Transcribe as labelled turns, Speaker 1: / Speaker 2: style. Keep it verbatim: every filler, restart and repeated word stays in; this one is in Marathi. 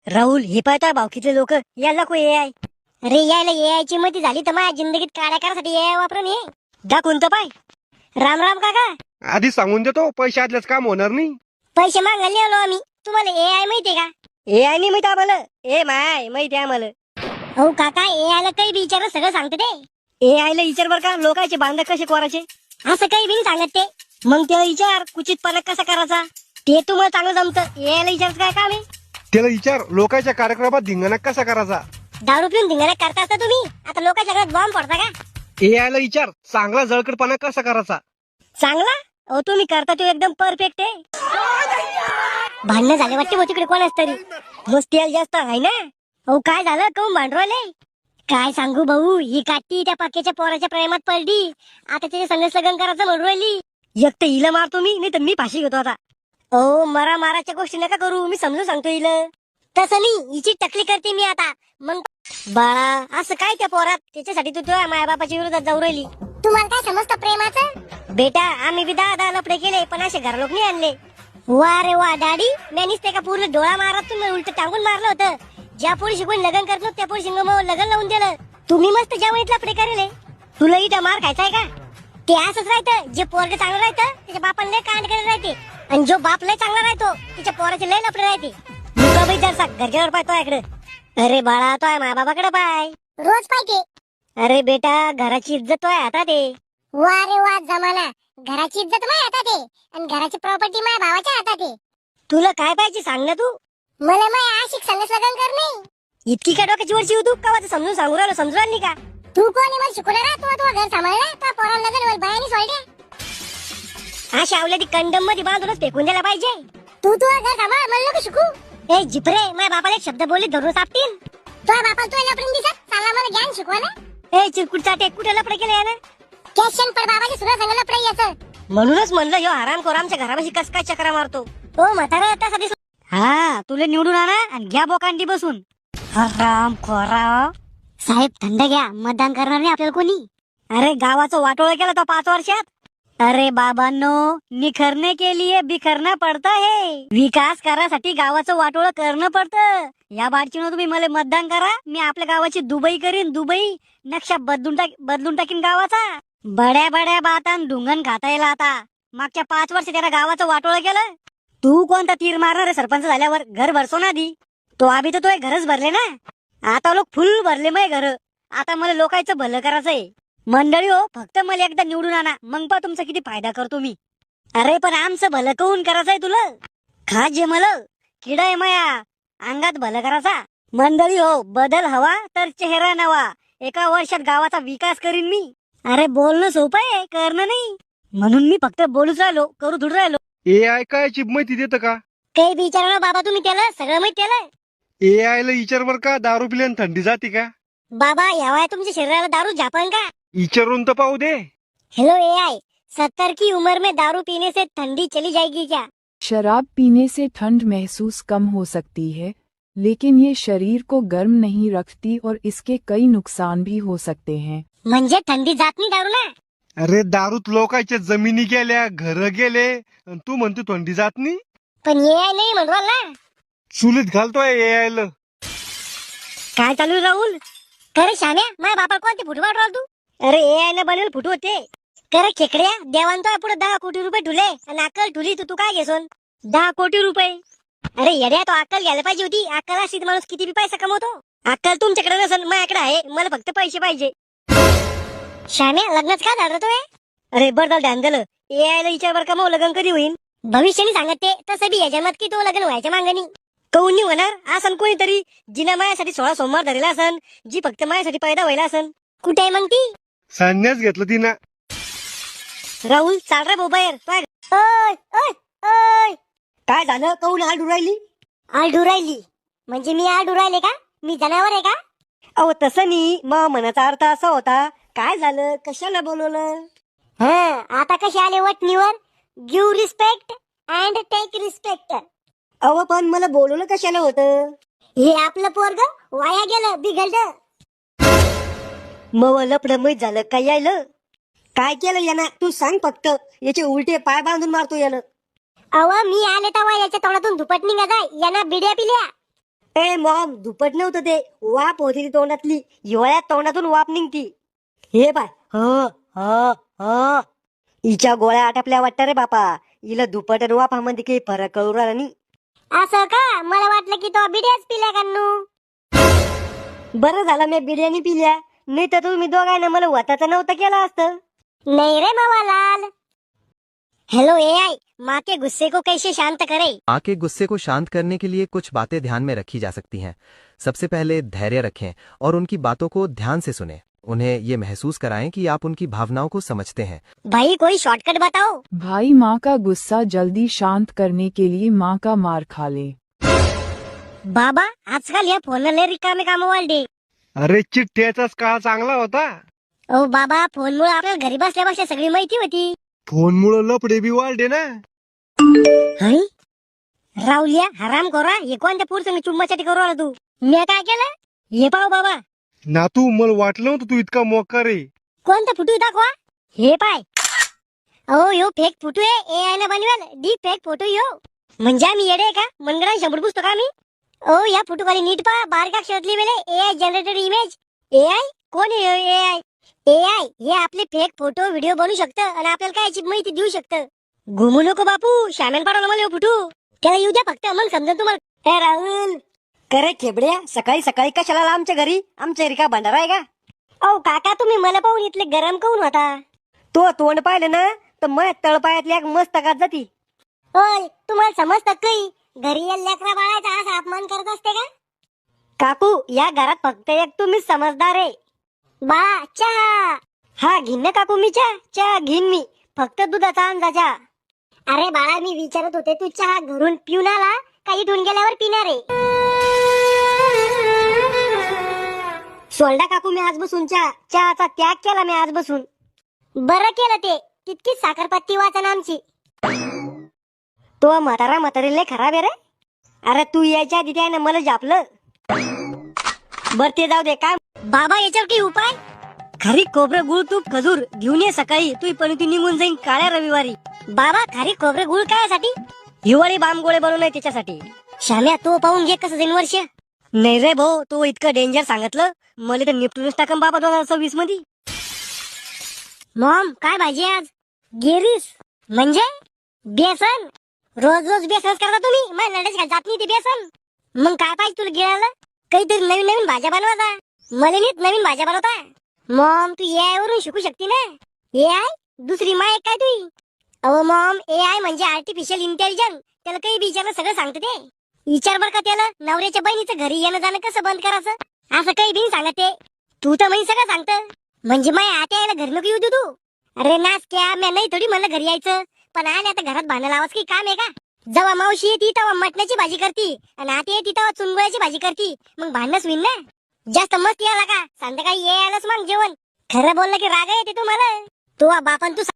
Speaker 1: राहुल हे पाहता भावकीतले लोक याला को ए आय. अरे यायला ए आय ची मती झाली तर माझ्या जिंदगीत काड्या करासाठी ए आय वापरून ये जा कोणतं पाय. राम राम काका.
Speaker 2: आधी सांगून देतो पैसे आदल्याच काम होणार नाही.
Speaker 1: पैसे मागायला आलो आम्ही. तुम्हाला ए आय माहितीये का? ए आय नाही माहिती आम्हाला. ए माय माहिती आम्हाला. हो काका ए आय ला काही बी विचार सगळं सांगते ते. ए आय ला विचार बर का लोकांचे बांध कसे कोरायचे असं काही बी नाही सांगत ते. मग त्याला विचार कुचितपणा कसा करायचा ते तुम्हाला चांगलं जमतं. ए आय ला विचारच काय काम आहे?
Speaker 2: त्याला विचार लोकांच्या कार्यक्रमात धिंगाणा कसा करायचा.
Speaker 1: दारू पिऊन धिंगाणा करता असता तुम्ही. आता लोकांच्या घरात बॉम्ब पडता का?
Speaker 2: ए आय ला विचार चांगला जळकडपणा कसा करायचा.
Speaker 1: चांगला अहो तुम्ही करता तो एकदम परफेक्ट आहे. भांडणं झाले वाटते भाऊ तिकडे कोणाच तरी. मस्त तेल जास्त आहे ना. अहो काय झालं काऊन भांडवले? काय सांगू भाऊ ही काठी त्या पक्क्याच्या पोराच्या प्रेमात पडली. आता त्याच्या संघर्ष लग्न करायचं म्हणून राहिली. एक तर हिला मारतो मी नाही तर मी फाशी घेतो आता. अहो मरा माराच्या गोष्टी नका करू. मी समजून सांगतो हिला. तसं नाही हिची टकली करते मी आता. मग बाळा असं काय त्या पोरात त्याच्यासाठी तू तुझ्या माया बापाच्या विरोधात जाऊ राहिली. तुम्हाला काय समजतं प्रेमाचं? बेटा आम्ही बी दहा दहा लपडे केले पण असे घर लोक नाही आणले. वा रे वा डॅडी मी नुसते का पूर्ण डोळा मारत तुम्ही उलट टांगून मारलं होतं. ज्या पोरी शिकून लग्न करत नव्हतं त्या पोरी शिंग लग्न लावून दिलं. तुम्ही मस्त जेवणीत लपडे करेले. तुला इथं मार खायचाय का? ते असंच राहतं. जे पोरग चांगलं राहतं त्याच्या बापाला लय कांड करत राहते आणि जो बाप लय चांगला राहतो त्याच्या पोराचे लय लपडे राहते. मुका बाई जर घरच्यावर पाय तो इकडे. अरे बाळा तो आहे माझ्या बाबाकडे पाय. रोज पाहिजे. अरे बेटा घराची इज्जत तो आहे हातात आहे. वा रे वा जमाना. घराची इज्जत माझ्या हातात आहे आणि घराची प्रॉपर्टी माझ्या भावाच्या हातात आहे. तुला काय पाहिजे सांग ना तू. मला माझ्या आशिक संगच लग्न कर नाही. इतकी काय डोक्याची वरची होऊ तू का समजून सांगू राहिलो समजून राहिली का? तू कोण आहे मला शिकवणार? तू तू घर सांभाळला तो पोराला लग्न बायानी सोडल्या. अशा आवल्या ती कंडम मध्ये बांधूनच फेकून द्यायला पाहिजे. तू तू घर सांभाळ मला नको शिकू. ए जिपरे माझ्या बापाला एक शब्द बोलले धरून सापटीन. तुझ्या बापाला तू लपडून दिसत चांगला मला ज्ञान शिकवा ना. ए चिरकुट चाटे कुठे लपडे केले यानं? कॅशन पर बाबाची सुद्धा सांगा लपडे याचं. म्हणूनच म्हणलं ह्यो हराम खोर आमच्या घरापाशी कस काय चक्रा मारतो. हो म्हातारा त्यासाठी. हा तुला निवडून आणा आणि घ्या बोकांडी बसून. हराम खोरा. साहेब थंड घ्या मतदान करणार नाही आपल्याला कोणी. अरे गावाचं वाटोळ केलं तो पाच वर्षात. अरे बाबांनो निखरने के लिए बिखरना पडता है. विकास करासाठी गावाचं वाटोळ करणं पडतं. या बारचीनं तुम्ही मला मतदान करा. मी आपल्या गावाची दुबई करीन. दुबई नक्षा बदलून टाक बदलून टाकीन गावाचा. बड्या बड्या बातान ढुंगण खाता येईल आता. मागच्या पाच वर्ष त्याला गावाचं वाटोळ केलं. तू कोणता तीर मारणार आहे सरपंच झाल्यावर? घर भरसो ना आधी. तो आधी तर तो घरच भरले ना. आता लोक फुल भरले मग घर. आता मला लोकांचं भलं करायचंय. मंडळी हो फक्त मला एकदा निवडून आणा मग पा तुमचा किती फायदा करतो मी. अरे पण आमचं भलं करून करायचंय तुला. खा जे मला किडा आहे माया अंगात भलं करायचा. मंडळी हो बदल हवा तर चेहरा नवा. एका वर्षात गावाचा विकास करीन मी. अरे बोलणं सोपं आहे करणं नाही. म्हणून मी फक्त बोलूच राहिलो करू थोडं राहिलो.
Speaker 2: ए आय काय चिप माहिती देतं का?
Speaker 1: काही विचारा बाबा तुम्ही त्याला सगळं माहिती त्याला.
Speaker 2: ए आय ला विचार बर का दारू पिल्यान थंडी जाते का?
Speaker 1: बाबा ह्या तुमच्या शरीराला दारू झापन का?
Speaker 2: विचारून तर पाहू दे.
Speaker 1: हेलो ए आय सत्तर की उम्र में दारू पीने से ठंडी चली जाएगी क्या?
Speaker 3: शराब पीने से ठंड महसूस कम हो सकती है लेकिन ये शरीर को गर्म नहीं रखती और इसके कई नुकसान भी हो सकते हैं.
Speaker 1: म्हणजे थंडी जात नाही दारू ना.
Speaker 2: अरे दारूत लोकांच्या जमिनी गेल्या घर गेले आणि तू म्हणतो थंडी जात नाही.
Speaker 1: पण ए आय नाही म्हणवाल ना.
Speaker 2: चुलीत घालतोय ए आय ला.
Speaker 1: काय चालू आहे राहुल? खरे शाम्या माझ्या बापा कोणते फुटू वाटवाल तू? अरे ए आय न बनवेल फुटू होते. खरं खेकड्या देवान तो पुढे दहा कोटी रुपये ठुले आणि अक्कल ठुली तर तू काय घेसोन? दहा कोटी रुपये. अरे येड्या तो अक्कल घ्यायला पाहिजे होती. अक्कल असती माणूस किती बी पैसा कमवतो. अक्कल तुमच्याकडे नसेल माझ्याकडे आहे. मला फक्त पैसे पाहिजे. शाम्या लग्नच का झालं तोय? अरे बरं ध्यान दिलं. ए आय ला विचार बर का मग लग्न कधी होईल? भविष्याने सांगत ते तसं बी या जन्मात की तो लग्न व्हायच्या मागणी. कौन नाही होणार असं कोणीतरी जिना माझ्यासाठी सोळा सोमवार धरलेला असन. जी फक्त माझ्यासाठी पैदा व्हायला असन. कुठे आहे मग ती?
Speaker 2: संन्यास घेतलं तिनं.
Speaker 1: राहुल चाल रे मोबाईल. ओय ओय ओय काय झालं? कौन आडू राहिली? आडू राहिली म्हणजे मी आडू राहिले का? मी जनावर आहे का? अहो तसं नाही मग मनाचा अर्थ असा होता. काय झालं? कशाला बोलवलं? हा आता कसे आले वटणीवर? Give respect and take respect. अहो पण मला बोलवलं कशाला होतं? हे आपलं पोरग वाया गेलं बिघडलं. मग लपड माहित झालं काय यायलं? काय केलं यानं तू सांग फक्त. याचे उलटे पाय बांधून मारतो यानं. अव मी आले तेव्हा याच्या तोंडातून धुपट निघा जाय. यानं बिड्या पिल्या. ए मॉम दुपट नव्हतं ते, वाप होती ती तोंडातली, हिवाळ्यात तोंडातून वाप निघती. हे बाय ह ह ह हिच्या गोळ्या आटपल्या वाटतं रे बापा. हिला दुपट आणि वापामध्ये काही फरक कळू राहिला नाही. असं का? मला वाटलं की तो बिड्याच पिल्या कान्नू. बरं झालं मी बिर्याणी पिल्या, नाही तर तुम्ही दोघांना मला वताचं नव्हतं केलं असतं. नाही रे मावालाल. हेलो एआई, माँ के गुस्से को कैसे शांत करे?
Speaker 4: माँ के गुस्से को शांत करने के लिए कुछ बातें ध्यान में रखी जा सकती हैं। सबसे पहले धैर्य रखें और उनकी बातों को ध्यान से सुनें। उन्हें ये महसूस कराएं कि आप उनकी भावनाओं को समझते हैं।
Speaker 1: भाई कोई शॉर्टकट बताओ.
Speaker 3: भाई माँ का गुस्सा जल्दी शांत करने के लिए माँ का मार खा ले।
Speaker 1: बाबा आजकाल या फोनला लय रिकामे काम वाढले.
Speaker 2: अरे चिठ्ठ्याचाच काळ चांगला होता.
Speaker 1: ओ बाबा फोनमुळे आपल्याला घरी बसल्या बसल्या सगळी माहिती होती.
Speaker 2: फोनमुळं लपडे बी वाढले ना.
Speaker 1: हं? राहुल्या हराम करा, हे कोणत्या पुरुषाने चुम्मासाठी करू आला तू? मी काय केलं? हे पाव बाबा.
Speaker 2: नातू मला वाटलं नव्हतं तू इतका मोका रे.
Speaker 1: कोणता फुटू दाखवा. हे पाय. अहो यो फेक फोटो आहे, एआय ने बनवेल डी फेक फोटो यो. म्हणजे आम्ही येडे आहे का? मनगडा शंभर पुस्तक आम्ही. ओ या फोटो खाली नीट पहा, बारका अक्षरात लिहिलेले एआय जनरेटेड इमेज. एआय कोण आहे एआय? एआय हे आपले फेक फोटो व्हिडिओ बनवू शकतं आणि आपल्याला काय याची माहिती देऊ शकतं. घुमू नको बापू, शामेन पाडवलं मला यो फोटो. त्याला येऊ द्या फक्त, मग समजा तुम्हाला. ए राहुल करे खेबड्या, सकाळी सकाळी कशाला आला आमच्या घरी? आमच्या घरी का भंडारा आहे का? अहो काका तुम्ही मला पाहून इथले गरम काऊन होता? तो तोंड पाहिलं ना तर मग तळपायातली एक मस्त कात जाती. होय तुम्हाला समजतं काही? घरी या लेकरा बाळाचा असा अपमान करत असते का? काकू या घरात फक्त एक तुम्ही समजदार आहे. बाळा चहा. हा घेईन ना काकू मी चहा. चहा घेईन मी, फक्त दुधाचा आणजा चहा. अरे बाळा मी विचारत होते तू चहा घरून पिऊन आला का इथून गेल्यावर पिणार आहे? सोल्डा काकू मी आज बसून चहा चहाचा त्याग केला मी आज बसून. बरं केलं ते, तितकीच साखरपत्ती वाचन आमची. तो म्हातारा म्हातारी लय खराब आहे रे. अरे तू यायच्या आधी त्यानं मला जापलं. बर ते जाऊ दे. काय बाबा याच्यावर काही उपाय? खारी खोबरं गुळ तूप खजूर घेऊन ये सकाळी, तू पण ती निघून जाईन काळ्या रविवारी. बाबा खारी खोबरं गुळ कायसाठी? हिवाळी बाम गोळे बनवलंय त्याच्यासाठी. शाम्या तो पाहून घे कसं जाईन वर्ष. नाही रे भाऊ, तो इतकं डेंजर सांगितलं मला तर निपटूनच टाकन बाबा दोन हजार सव्वीस मध्ये. मॉम काय भाजी आज? गिरीस म्हणजे बेसन. रोज रोज बेसनच करता तुम्ही? मला लढच घाल जात नाही ते बेसन. मग काय पाहिजे तुला गिळायला? काहीतरी नवीन नवीन भाज्या बनवायचा. मला नीट नवीन भाज्या बनवता. मॉम तू एआय वरून शिकू शकते ना. एआय दुसरी माय काय तुझी? अहो मॉम एआय म्हणजे आर्टिफिशियल इंटेलिजन्स. त्याला काही विचारलं सगळं सांगते ते. विचार बर का त्याला नवऱ्याच्या बहिणीचं घरी येणं जाणं कसं बंद करायचं, असं काही बिन सांगत ते. तू तर मी सगळं सांगत. म्हणजे माय आता यायला घर नको येऊ दे तू. अरे नाच क्या, मी नाही थोडी म्हणलं घरी यायचं, पण आले आता घरात भांडण लावाच काही काम आहे का? जेव्हा मावशी येते तेव्हा मटणाची भाजी करती आणि आता येते तेव्हा चुनगुळ्याची भाजी करती. मग भांडणच होईल ना. जास्त मस्त यायला का संध्याकाळी ये आलंच मग जेवण. खरं बोललं की राग येते तुम्हाला. तो बापन तू